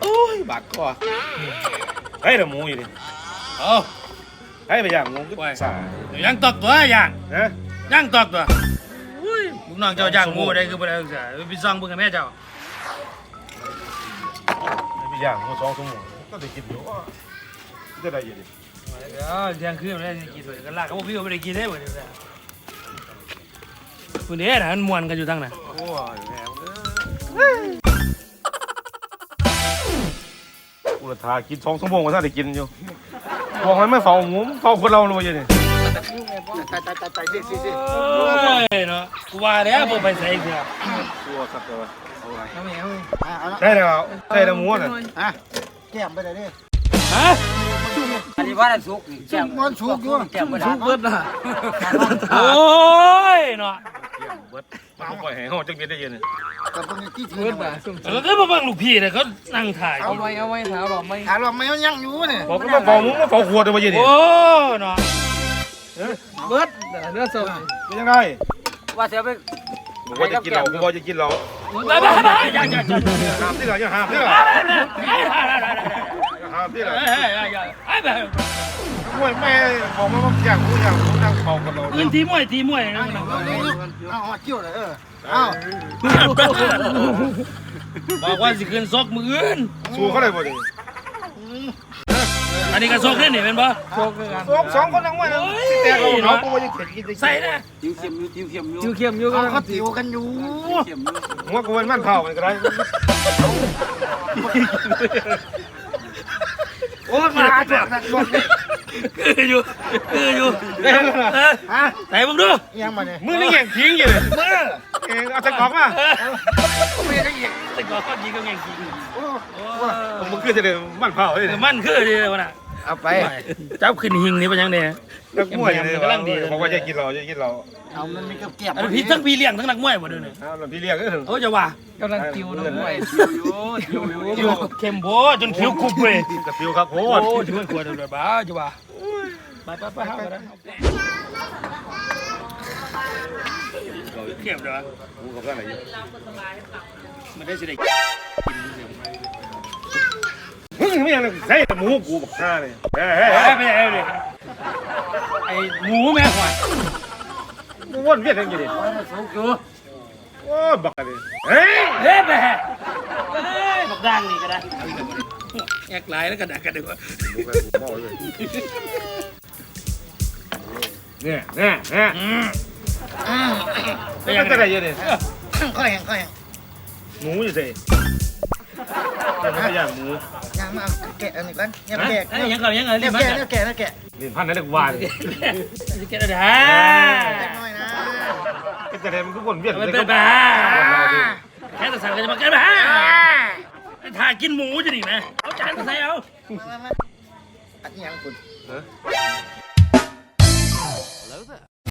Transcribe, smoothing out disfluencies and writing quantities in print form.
ยบาดคอให้แต่หมูอยู่ดิให้ไปย่างหมูก็สาย่างตอกตัวย่างนะย่างตอกตัวลูกน้องเจ้าย่างหมูได้คือบ่ได้ศึกษาไปซ่องเบิ่งกับแม่เจ้าไปย่างหมู2 ชั่วโมงก็ได้กินอยู่จะได้อยู่ดิเที่ยงคืนแล้วกินด้วยกันลากเขาบอกพี่ว่าไม่ได้กินได้เหมือนกันคุณเอ๋น่ะมันม่วนกันอยู่ทั้งนั้นโอ้ยแหมอุลตรากิน2 ชั่วโมงก็ถ้าได้กินอยู่บอกให้ไม่เฝ้าหมูเฝ้าคนเราเลยนี่ตายสิเนาะกูว่าแล้วบ่ไปใส่เกือบตัวสักตัวได้แล้วได้แล้วหมูน่ะแก้มไปเลยดิฮะอันนี้ว่าสุกแก้มมันสุกอยู่แก้มสุกเบิดน่ะโอ้ยเนาะเบิดมันปล่อยให้เฮาจักเม็ดได้ยินนี่ก็บ่มีที่ถือน่ะแล้วก็มาเบิ่งลูกพี่เนี่ยเขานั่งถ่ายเอาไว้ถามหรอไม่ถามว่ามันยังอยู่นี่บอกว่าเฝ้าหมูเฝ้าขวดได้บ่ยินนี่โอ้เนาะเบิดเนื้อส้มเป็นยังไงว่าเสียไปบอกว่าจะกินเหล้าบอกว่าจะกินเหล้าอย่าห้ามที่เหรออย่าห้ามที่เหรอห้ามที่เหรอมวยแม่บอกว่าอย่างผู้นั่งเฝ้ากับเราพื้นที่มวยนะเอาเกี่ยวเลยเอาบอกว่าสิขึ้นซอกมืออื่นสู้เขาเลยบ่ดิอันนี้ก็ซอกนี่เป็นบ่ซอก2 คนนั่งมวยนะสิแต่เราเนาะบ่ว่าจะเข็นกินใส่นะจิ้วเข็มอยู่เขาติวกันอยู่หัวกูเป็นมันเผามันก็ได้โอ้มาจวดคืออยู่ไหนมึงดูยังมาเนี่ยมือนี่แย่งทิ้งอยู่เลยมือเอาใส่กล่องมาไม่ได้ยิงใส่กล่องก็ยิงก็แย่งทิ้งมึงคือจะเดินมันเผาเลยมันคือดีวะน่ะเอาไปเจ้าขึ้นหิงนี่เป็นยังไงนักมวยเลยกำลังดีบอกว่าจะกินเราเอามันมีกับเก็บอันพี่ทั้งพี่เลี้ยงทั้งนักมวยหมดเลยเนี่ยพี่เลี้ยงก็ถึงโอ้จะว่ากำลังติวน้องมวยอยู่เข้มโบจนคิ้วคุบเลยกับฟิวครับโอ้ช่วยขวดเลยบ้าจะว่าไปหากันเข้มเลยวะกูกับอะไรอยู่มันได้สิได้ไม่ยังใส่หมูกูบักข้าเลยไม่เลยไอหมูแม่หวานมึงวนเวียนยังไงดิโอ้บักอะไรเฮ้ยไปบักดังนี่ก็ได้แอกลายแล้วก็ดักกันดีกว่าเนี่ยเป็นยังไงเยอะดิข้อแห้งหมูอยู่สิย่างหมูย่างมาแกะอันนี้ก่อนยังแกะยังแกะเรียนพันนั่นเรียกวานแกะได้น้อยนะก็จะเรียนทุกคนเวียนเลยก็บ้าแค่แต่สั่งก็จะมาแกะบ้าถ่ายกินหมูจะดีไหมเอาจานมาใส่เอาอันนี้ยังคุณ